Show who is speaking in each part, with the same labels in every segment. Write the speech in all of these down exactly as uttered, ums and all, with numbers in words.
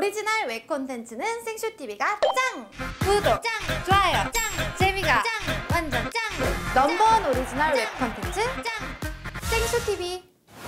Speaker 1: 오리지널 웹 콘텐츠는 생쇼티비가 짱! 구독 짱! 좋아요 짱! 재미가 짱! 완전 짱! 넘버원 오리지널 웹 콘텐츠 짱! 생쇼티비.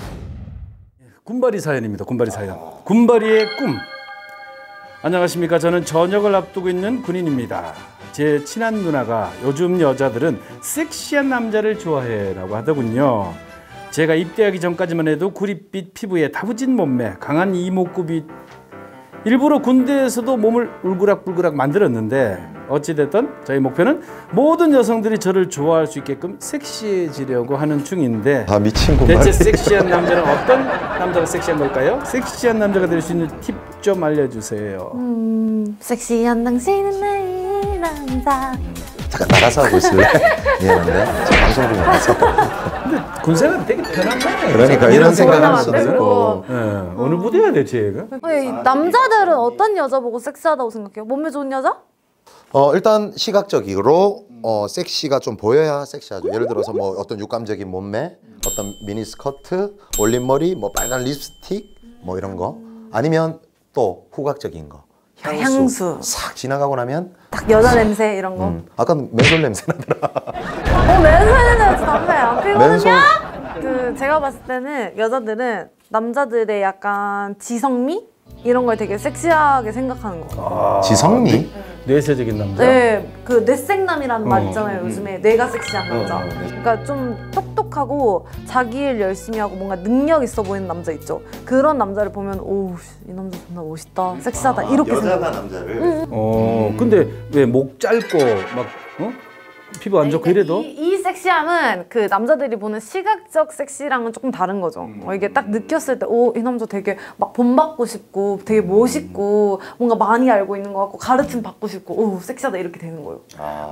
Speaker 2: 군바리 사연입니다. 군바리 사연. 군바리의 꿈. 안녕하십니까. 저는 전역을 앞두고 있는 군인입니다. 제 친한 누나가 요즘 여자들은 섹시한 남자를 좋아해 라고 하더군요. 제가 입대하기 전까지만 해도 구릿빛 피부에 다부진 몸매, 강한 이목구비, 일부러 군대에서도 몸을 울그락불그락 만들었는데 어찌됐든 저희 목표는 모든 여성들이 저를 좋아할 수 있게끔 섹시해지려고 하는 중인데,
Speaker 3: 아, 미친 군바리.
Speaker 2: 대체 섹시한 남자는 어떤 남자가 섹시한 걸까요? 섹시한 남자가 될 수 있는 팁 좀 알려주세요.
Speaker 1: 음... 섹시한 당신은 나의 남자.
Speaker 3: 잠깐 나가서 하고 있을래? 미안한데 저 방송 중이라서.
Speaker 2: 근데 군생활은 되게 편한 거예요.
Speaker 3: 그러니까 이런 생각할 수도 있고.
Speaker 2: 네. 어느 부대야 대체 얘가?
Speaker 4: 아니, 남자들은 어떤 여자 보고 섹시하다고 생각해요? 몸매 좋은 여자?
Speaker 3: 어 일단 시각적으로 어 섹시가 좀 보여야 섹시하죠. 예를 들어서 뭐 어떤 육감적인 몸매, 어떤 미니 스커트, 올린 머리, 뭐 빨간 립스틱, 뭐 이런 거. 아니면 또 후각적인 거. 향수.
Speaker 4: 향수.
Speaker 3: 싹 지나가고 나면
Speaker 4: 딱 여자 냄새 이런 거.
Speaker 3: 음, 아까 맨솔 냄새 나더라.
Speaker 4: 어, 맨손에는 담배 안 피거든요?
Speaker 3: 맨손.
Speaker 4: 그 제가 봤을 때는 여자들은 남자들의 약간 지성미? 이런 걸 되게 섹시하게 생각하는 거.
Speaker 2: 아,
Speaker 3: 지성미?
Speaker 2: 뇌, 뇌세적인 남자?
Speaker 4: 네, 그 뇌생남이라는 말
Speaker 2: 어,
Speaker 4: 있잖아요.
Speaker 2: 음,
Speaker 4: 요즘에 뇌가 섹시한 남자.
Speaker 2: 어, 어, 네.
Speaker 4: 그러니까 좀 똑똑하고 자기 일 열심히 하고 뭔가 능력 있어 보이는 남자 있죠. 그런 남자를 보면 오우, 이 남자 존나 멋있다, 섹시하다, 이렇게 생각해요.
Speaker 3: 남자를?
Speaker 4: 응.
Speaker 2: 어, 근데 왜 목 짧고 막 어? 피부 안 좋고 이래도?
Speaker 4: 이, 이 섹시함은 그 남자들이 보는 시각적 섹시랑은 조금 다른 거죠.
Speaker 2: 음.
Speaker 4: 어, 이게 딱 느꼈을 때 오, 이 남자 되게 막 본받고 싶고 되게 멋있고 뭔가 많이 알고 있는 것 같고 가르침 받고 싶고 오, 섹시하다 이렇게 되는 거예요.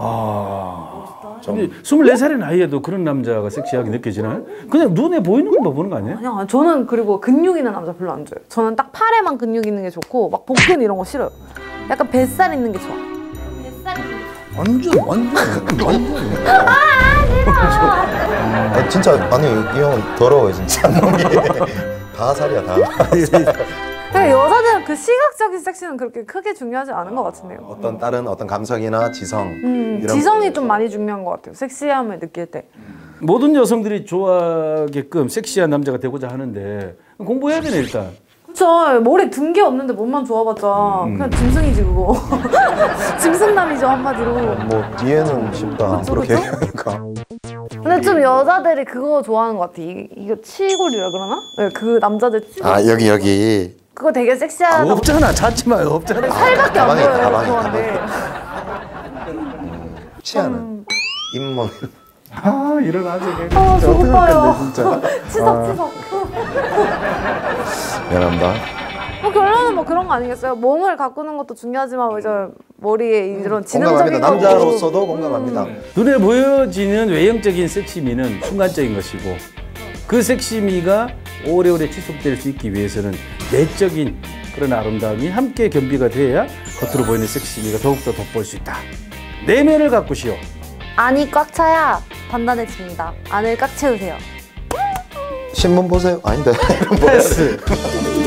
Speaker 2: 아, 근데 스물네 살의 나이에도 그런 남자가 섹시하게 느껴지나요? 그냥 눈에 보이는 것만 보는 거 아니에요?
Speaker 4: 아니야, 저는 그리고 근육 있는 남자 별로 안 좋아해요. 저는 딱 팔에만 근육 있는 게 좋고 막 복근 이런 거 싫어요. 약간 뱃살 있는 게 좋아. 뱃살 있는 게 좋아.
Speaker 2: 완전 완전 완전.
Speaker 3: 아, 진짜 아니 이 형은 더러워요 진짜. 몸이 다 살이야 다.
Speaker 4: 근데 여자들은 그 시각적인 섹시는 그렇게 크게 중요하지 않은 것 같은데요.
Speaker 3: 어떤 다른 어떤 감성이나 지성.
Speaker 4: 음,
Speaker 3: 이런
Speaker 4: 지성이 좀 많이 중요한 것 같아요. 섹시함을 느낄 때.
Speaker 2: 모든 여성들이 좋아하게끔 섹시한 남자가 되고자 하는데 공부해야 되네 일단.
Speaker 4: 그쵸. 머리 든 게 없는데 몸만 좋아봤자
Speaker 2: 음.
Speaker 4: 그냥 짐승이지 그거. 짐승남이죠 한마디로.
Speaker 3: 뭐 뒤에는 쉽다.
Speaker 4: 그쵸,
Speaker 3: 그렇게
Speaker 4: 그쵸?
Speaker 3: 하니까.
Speaker 4: 근데 좀 여자들이 그거 좋아하는 것 같아. 이, 이거 치골이라 그러나? 네, 그 남자들 치골.
Speaker 3: 아 여기 여기.
Speaker 4: 그거 되게
Speaker 2: 아,
Speaker 4: 섹시하다고.
Speaker 2: 없잖아. 찾지 마요. 없잖아.
Speaker 4: 살밖에 안
Speaker 3: 가방에
Speaker 4: 보여요.
Speaker 3: 있다, 가방에
Speaker 4: 그건데.
Speaker 3: 치아는
Speaker 4: 음.
Speaker 3: 잇몸.
Speaker 2: 아 일어나지.
Speaker 4: 아, 저 오빠요.
Speaker 3: 진짜.
Speaker 4: 치석치석.
Speaker 3: 미안합니다.
Speaker 4: 뭐 결론은 뭐 그런 거 아니겠어요? 몸을 가꾸는 것도 중요하지만 이제 머리에 이런 지능적인
Speaker 3: 공감합니다. 남자로서도 공감합니다.
Speaker 2: 눈에 보여지는 외형적인 섹시미는 순간적인 것이고 그 섹시미가 오래오래 지속될 수 있기 위해서는 내적인 그런 아름다움이 함께 겸비가 돼야 겉으로 보이는 섹시미가 더욱더 돋보일 수 있다. 내면을 가꾸시오.
Speaker 4: 안이 꽉 차야 단단해집니다. 안을 꽉 채우세요.
Speaker 3: 신문 보세요. 아닌데.
Speaker 2: 패스.